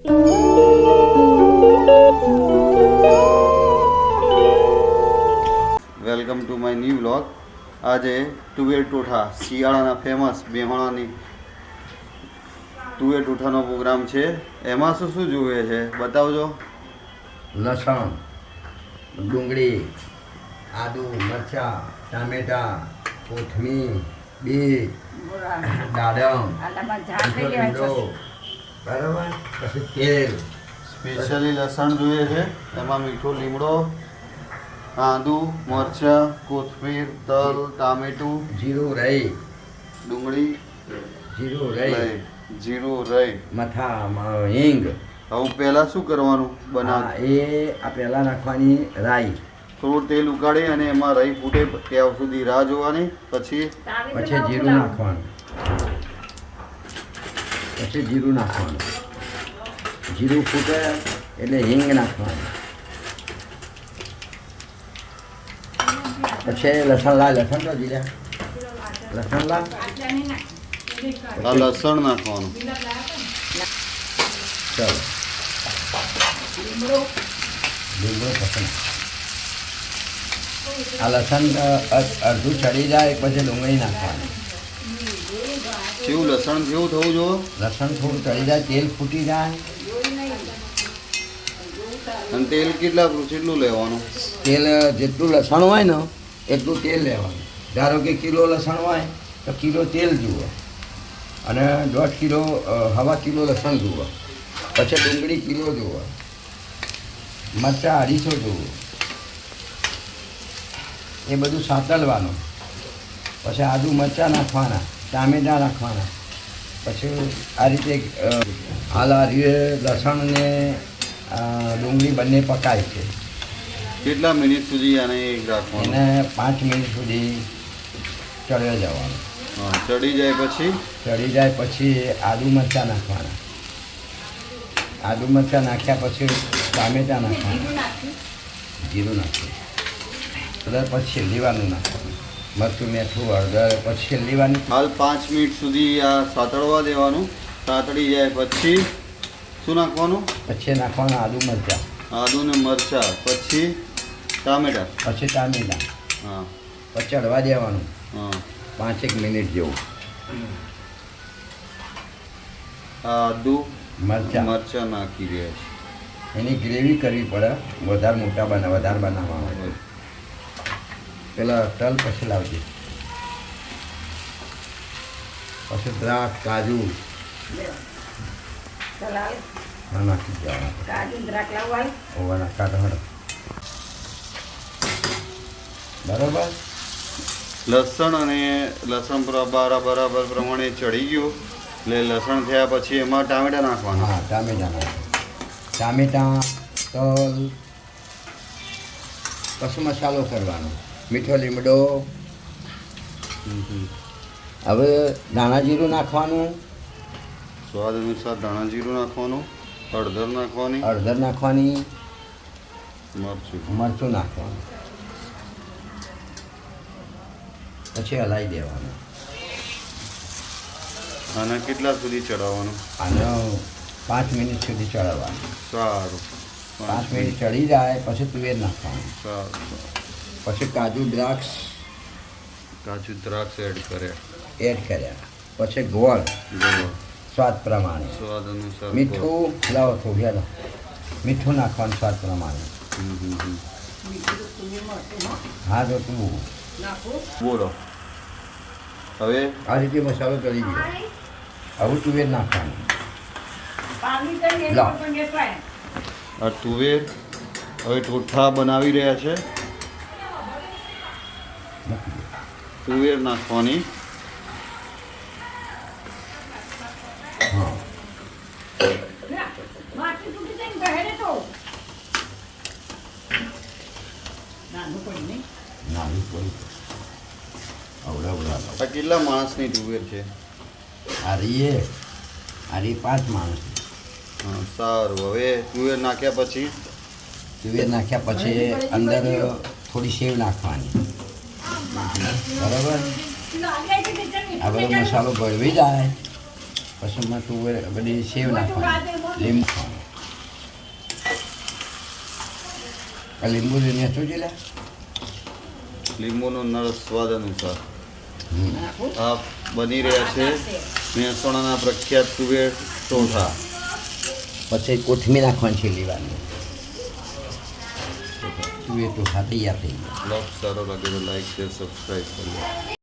Welcome to my new vlog. આજે તુવેર ટોઠા શિયાળાના ફેમસ બેહણાની તુવેર ટોઠાનો પ્રોગ્રામ છે. એમાં શું શું જોવે છે બતાવજો. લસણ, ડુંગળી, આદુ, મરચાં, ટામેટા, કોથમીર, બીટ, દાડમ, લીમડો, બરાબર. પછી તેલ, સ્પેશિયલી લસણ જોઈએ છે. એમાં મીઠો લીમડો, આદુ, મરચાં, કોથમીર, તલ, ટામેટું, જીરું, રહી, ડુંગળી, જીરું, રહી, જીરું, રહી, મથા, હિંગ. હવે પહેલાં શું કરવાનું બનાવ? એ આ પહેલાં નાખવાની રાઈ, થોડું તેલ ઉકાળી અને એમાં રહી ફૂટે ત્યાં સુધી રાહ જોવાની. પછી જીરું નાખવાનું, જીરું નાખવાનું. જીરું ફૂટે એટલે હિંગ નાખવાનું. પછી લસણ તો જીરા લસણ આ લસણ નાખવાનું. ચલો લીમડો પસંદ. આ લસણ અડધું ચડી જાય પછી ડુંગળી નાખવાની. કેવું લસણ કેવું થવું જો? લસણ થોડું ચડી જાય, તેલ ફૂટી જાય. અને તેલ કેટલું લેવાનું? તેલ જેટલું લસણ હોય ને એટલું તેલ લેવાનું. ધારો કે કિલો લસણ હોય તો કિલો તેલ જુઓ, અને 1.5 કિલો 1/2 કિલો લસણ જુઓ. પછી ડુંગળી કિલો જુઓ, મરચાં 250 જુઓ. એ બધું સાતળવાનું. પછી આદુ મરચાં નાખવાના, ટામેટાં નાખવાના. પછી આ રીતે લસણ ને ડુંગળી બંને પકાય છે. કેટલા મિનિટ સુધી આને રાખવાનું? એને 5 મિનિટ સુધી ચડ્યો જવાનું. હા, ચડી જાય પછી આદુ મરચાં નાખવાના. આદુ મરચાં નાખ્યા પછી ટામેટાં નાખવાના, જીરું નાખવાનું. પછી છેલ્લીવાનું નાખવાનું, મરચું, મીઠું, હળદર. પછી છેલ્લીવાનું. હાલ 5 મિનિટ સુધી આ સાતળવા દેવાનું. સાતળી જાય પછી શું નાખવાનું? પછી નાખવાના આદુ મરચાં, ને મરચાં, પછી ટામેટા. હા, પછી ચડવા દેવાનું. હા, 5 મિનિટ જેવું. આદુ મરચાં નાખી દે. એની ગ્રેવી કરવી પડે. વધારે બનાવવા હોય. પેલા તલ પછી લાવજે. પછી દ્રાક્ષ, કાજુ નાખી દેવાના. ઓવાના કાઢો. બરાબર. લસણ બરાબર પ્રમાણે ચડી ગયું એટલે લસણ થયા પછી એમાં ટામેટા નાખવાના. હા, ટામેટા, તલ. પછી મસાલો કરવાનો, મીઠો લીમડો. હવે ધાણા જીરું નાખવાનું, સ્વાદ અનુસાર ધાણા જીરું નાખવાનું, હળદર નાખવાની, મરચું નાખવાનું. પછી હલાવી દેવાનું. આને કેટલા સુધી ચડાવવાનું? આને 5 મિનિટ સુધી ચડાવવાનું. સારું. 5 મિનિટ ચડી જાય પછી તુવેર નાખવાનું. સારું. પછી કાજુ દ્રાક્ષ એડ કર્યા. પછી ગોળ સ્વાદ પ્રમાણે. સ્વાદ અનુસાર મીઠું લાવો થોડું. મીઠું નાખવાનું સ્વાદ પ્રમાણે. હા, તો તું બોલો. હવે આ રીતે મસાલો ચડી ગયો. હવે તુવેર નાખવાનું. આ તુવેર હવે ટોઠા બનાવી રહ્યા છે. તુવેર નાખવાની. આ કેટલા માણસની તુવેર છે? આ 5 માણસ. હા, સારું. હવે તુવેર નાખ્યા પછી અંદર થોડી સેવ નાખવાની. બરાબર. આ બધો મસાલો ભળવી જાય પછી તુવેર બધી સેવ નાખવાની, લીંબુ. આ લીંબુ લઈને શું છે લે લીંબુનો નળ સ્વાદ અનુસાર આ બની રહ્યા છે મહેસાણાના પ્રખ્યાત તુવેર ટોઠા. પછી કોથમીર નાખવાની છે લેવાની તું એ તો તૈયાર થઈ ગયા. બ્લોગ સારો લાગે તો લાઈક શેર સબસ્ક્રાઈબ કરી લો.